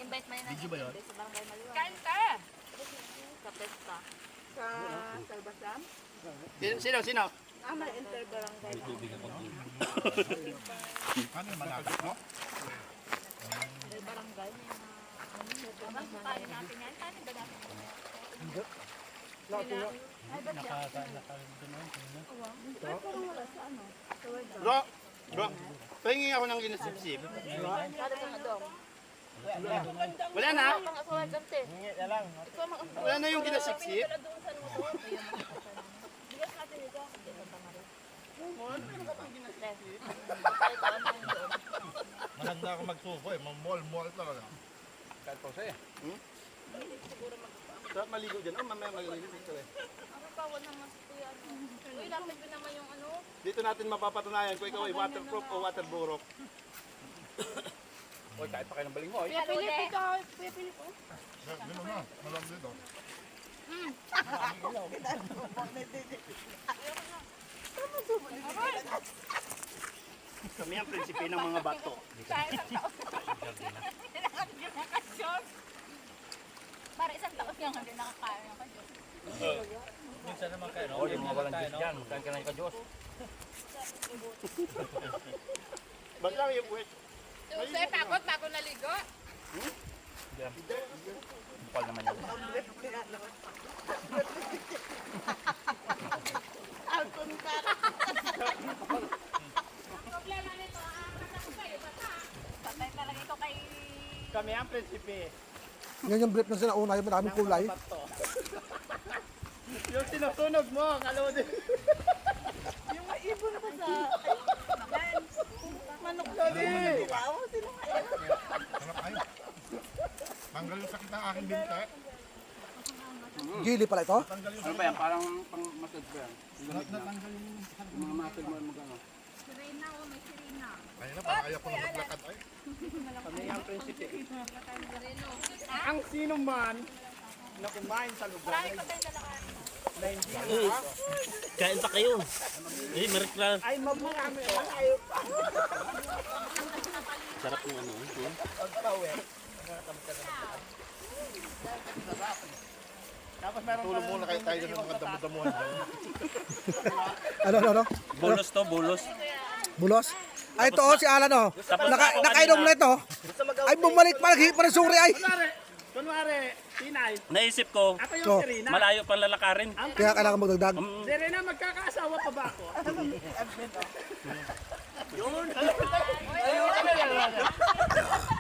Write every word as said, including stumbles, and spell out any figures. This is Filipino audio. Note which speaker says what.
Speaker 1: invite man
Speaker 2: Video ba yun?
Speaker 1: sa barangay Maliwan.
Speaker 3: Kain ka!
Speaker 1: Sa pesta.
Speaker 3: Sa Salbasam?
Speaker 2: Sino, sino? Sino?
Speaker 3: Ah, may interbarangay.
Speaker 2: Ano yung malapit mo?
Speaker 1: May barangay. May mga... Ano ba tayo natin yan? Tayo ba natin?
Speaker 2: Hindi.
Speaker 1: Ay, ba't yan?
Speaker 3: Ay, parang wala sa ano. Sa word.
Speaker 2: Bro, bro, pahingi ako ng ginasipsip.
Speaker 1: Kada ka nga dong.
Speaker 2: Wala na?
Speaker 1: Mga asawa dyan, te. Ikaw mga asawa.
Speaker 2: Wala na yung ginasipsip?
Speaker 1: Bigas natin ito. Hindi, ito pa nga rin.
Speaker 2: Ano meron ka pang ginasipsip?
Speaker 1: Kahit ako na yung doon.
Speaker 4: Maganda ako magsuko eh, mamol-mol talaga.
Speaker 2: Kahit po siya. Hmm? Sarap maligo dyan. Oh, mamaya maligo dito eh.
Speaker 1: Ako pa, wala naman sa kuya. Uy, lapit ko naman yung ano.
Speaker 2: Dito natin mapapatunayan kung ikaw ay waterproof o waterburok. Oy, kahit pa kayo ng baling mo, eh.
Speaker 1: Kuya Philip, ikaw.
Speaker 3: Kuya Philip, oh.
Speaker 4: Dito na, malam dito.
Speaker 2: Kami ang prinsipe ng mga bato.
Speaker 3: Sa isang taon. Kailangan yung nakasyon.
Speaker 1: Para isang taon yung hindi nakakain ng kadyos.
Speaker 5: Minsan naman kayo, no?
Speaker 2: O, yung mga walang Diyos dyan, magkain ka na ka Diyos. Ba't lang yung buwet?
Speaker 3: Tuso, eh, pagod bago naligo.
Speaker 2: Bukal naman yan.
Speaker 3: Problema nito, ah, kasama kayo, bata.
Speaker 1: Patay talaga ito kay...
Speaker 2: Kami ang prinsipe.
Speaker 6: Yan yung brief na sinauna, yung maraming kulay.
Speaker 2: Bato. Yung sinusunog mo, kalodi.
Speaker 3: Yung may ibon pa sa... Manok
Speaker 2: Lodi!
Speaker 4: Hanap kayo. Tanggal yung sakit ng aking binte.
Speaker 6: Gili pala ito.
Speaker 4: Tanggal yung
Speaker 2: Ano ba yan? Parang pang massage ba yan?
Speaker 4: natanggal yung
Speaker 2: Mga muscle mo, magano.
Speaker 1: Sirena, oh, may sirena.
Speaker 4: Ayun na, parang ayaw ko na maglakad ay.
Speaker 2: Kami ang prinsipe. Ang sino man na kumain sa lugar na hindi
Speaker 5: Kain pa kayo. Eh, meron ka.
Speaker 2: ay magmarami ang ayaw pa.
Speaker 5: Sarap yung ano. eh.
Speaker 2: Pagpawe. Tapos meron
Speaker 4: Tulog muna kayo tayo ng mga damo-damuhan dyan.
Speaker 6: Ano, ano, ano?
Speaker 5: Bulos to, bulos.
Speaker 6: Bulos? Ay, ito, oh, si Alan, oh. Naka, nakainom na ito. Ay, bumalik pa, naghihi pa ng suri, ay.
Speaker 2: Kunwari, kunwari, Tinay,
Speaker 5: Naisip ko,
Speaker 2: ako yung
Speaker 6: So,
Speaker 2: Serena.
Speaker 5: malayo pang lalakarin.
Speaker 6: Kaya kailangan magdagdag.
Speaker 5: Um,
Speaker 2: Serena, magkakaasawa pa ba ako? Yun. Ayun.